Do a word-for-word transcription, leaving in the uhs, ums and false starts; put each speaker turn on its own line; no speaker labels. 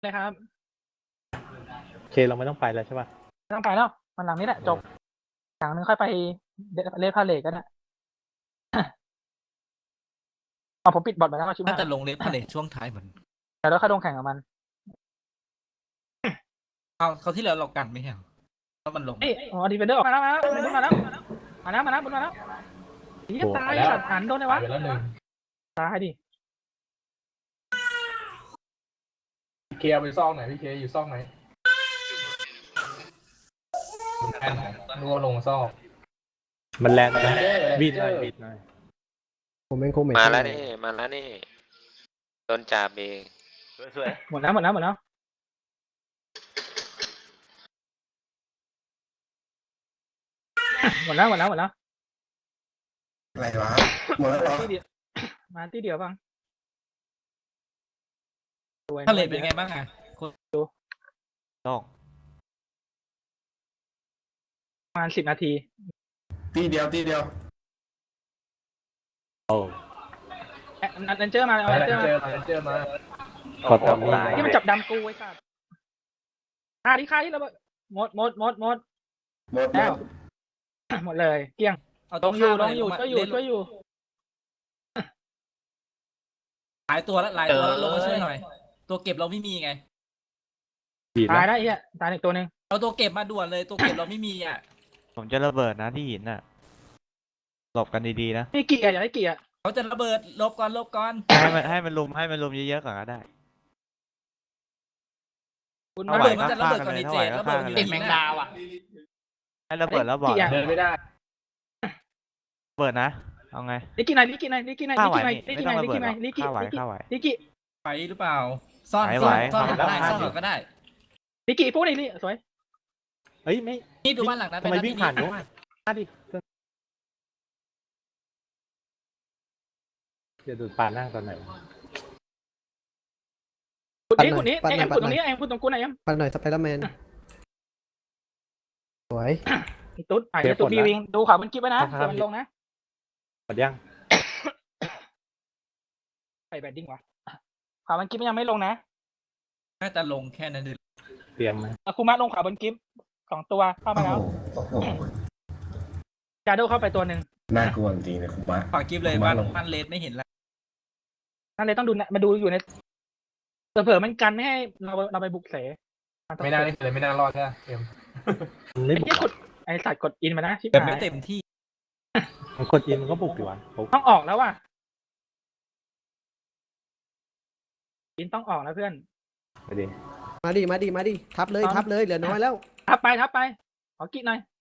เลยครับ
โอเคเราไม่ต้องไปแล้วใช่ป่ะ
ไม่ต้องไปแล้ววันหลังนี้แหละจบหลังนึงค่อยไปเลดพาเลทก็ได้อ๋อผมปิดบอทไปแล้วชิบ
น่า
หาย
จะลงเลฟพาเลทช่วงท้ายเหมือน
แต่แล้วค่อยลงแข่งกับมัน
เอาเขาที่แล้วเรากันไม่ใช่เหรอแล้วมันลง
เอ้ยอ๋อดีเฟนเดอร์ออกมาแล้วมาแล้วบุญมาแล้วมาแล้วมาแล้วบุญมาแล้วดีตายสัตว์หันโดนเลยวะ
ไปแล้วหนึ่ง
ตายดิ
พี่เคเอาไปซองไหนพี่เคอยู่ซองไหนแอนไหนนึกว่าลงซอง
มันแรงนะบีดหน่อยบีดหน่อย
ผมเป็นโคเมท
มาแล้วนี่มาแล้วนี่โดนจ่าเบง
สวย
หมดแล้วหมดแล้วหมดแล้วหมดแล้วหมดแล้วหมดแล้ว
อะไรวะหมดแล้วเหรอ
ที่เดียวมาที่เดียวบ้างสวย
พาเลทเป็นไงบ้างอ่ะคุณ
ๆต้อง
ประมาณสิบนาที
ตีเดียวตีเดียว
โอ้
แอนเจอร์มาเอา
แอ
แอน นเจอร์
เจ
มา
อมาเจอมา
ขอทำลาย
ที่มันจับดำกูไอ้สัตว์อ่าที่ค่าที่เราหมดหมดหมดหมด
หมด
แล้ว หมดเลยเกลี้ยง
เอา
ล
ตัว
งอยู่
ข้าม
ลงอยู่
มา
ช่วยอยู่
เล่น
ช่วยอยู่
หลายตัวแล้วหลายตัวแล้วลงมาช่วยหน่อย ตัวเก็บเราไม่มีไง
บีด
ตาย
แล้ว
ได้ไอ้เหี้ยตายอีกตัวหนึ่ง
เอาตัวเก็บมาด่วนเลยตัวเก็บเราไม่มีอ่ะ
ผมจะระเบิดนะที่หินน่ะหลบกันดีๆนะ
นี่เกียร์อย่าได้เกียร์
เขาจะระเบิดลบก่อนลบก่อน
ให้มันให้มันลุมให้มันลุมเยอะๆก่อนก็ได้
คุณ
เอา
มา
ไหว
เบิด
มันจะระเบิดก่อนดีเจ
ถ้าไหวก็
ระเบิด
ฆ่ากัน
อยู่
เลย
ในแมงดาวอ่ะ
ให้ระเบิดแล้วบอก
เดินไม่ได้
ระเบิดนะเอาไง
ลิกกี้ไหนลิกกี้ไหนลิกกี้ไหน
ฆ่า
ลิก
ไหว
กี้ไหน
นี่
ลิกกี้ไหน
ไม่
ลิก
ต้อง
กี้
ระ
ไหน
เบิด
ลิกกี้
ฆ่าไหวฆ่าไหว
ลิกกี้
ไปหรือเปล่า ซ่อน
ไหว
ซ่อน
ไหว
ซ่อนก็ได้
ไหว
ซ่อนก็ได้
ลิกกี้พวกนี้นี่สวย
เฮ้ยไม่
นี่ดูบ้านหลังนั้น
ทำไม
เป็น
วิ่งผ่านนู้นมาดิเดี๋ยวดูปลานั่งตอนไหน
ขุดนี้ขุดนี้ไอ้แอมขุดตรงนี้ไอ้แอมขุดตรงกูไหนแอม
ปันหน่อยสไปเดอร์แมนสวย
ไอ้ตุ๊ดไอ้ตุ๊ดบีวิงดูข่าวมันคลิปไว้นะเดี๋ยวมันลงนะ
หมดยัง
ไปแบดดิ้งวะข่าวมันคลิปยังไม่ลงนะ
น่าจะลงแค่นั้นเลย
เตรียมไหม
อาคุมะลงข่าวบนคลิปสองตัวเข้ามาแล้วจาโดเข้าไปตัวหนึ่ง
น่ากลัวจริงเลยคุณมะ
ฝากกิฟเลยบ้านบ้านเลดไม่เห็นแล้ว
นั่นเลยต้องดูนะมาดูอยู่ในเผื่อๆมันกันไม่ให้เราเราไปบุกเส
ไม่น่านี่เลยไม่น่ารอดใช่ไหมเอ็ม
มันไม่
ไอ้
บุก
ที่กดไอ้สัตว์กดอินมานะชิบ
แบบ
หา
ไม่
ย
เต็มที่
มันกดอินมันก็บุกดีวะผม
ต้องออกแล้วว่ะอินต้องออกแล้วเพื่อน
ไปดิ
มาดิมาดิมาดิทับเลยทับเลยเหลือน้อยแล้ว
ทับไปทับไปขอกิ๊กหน่อย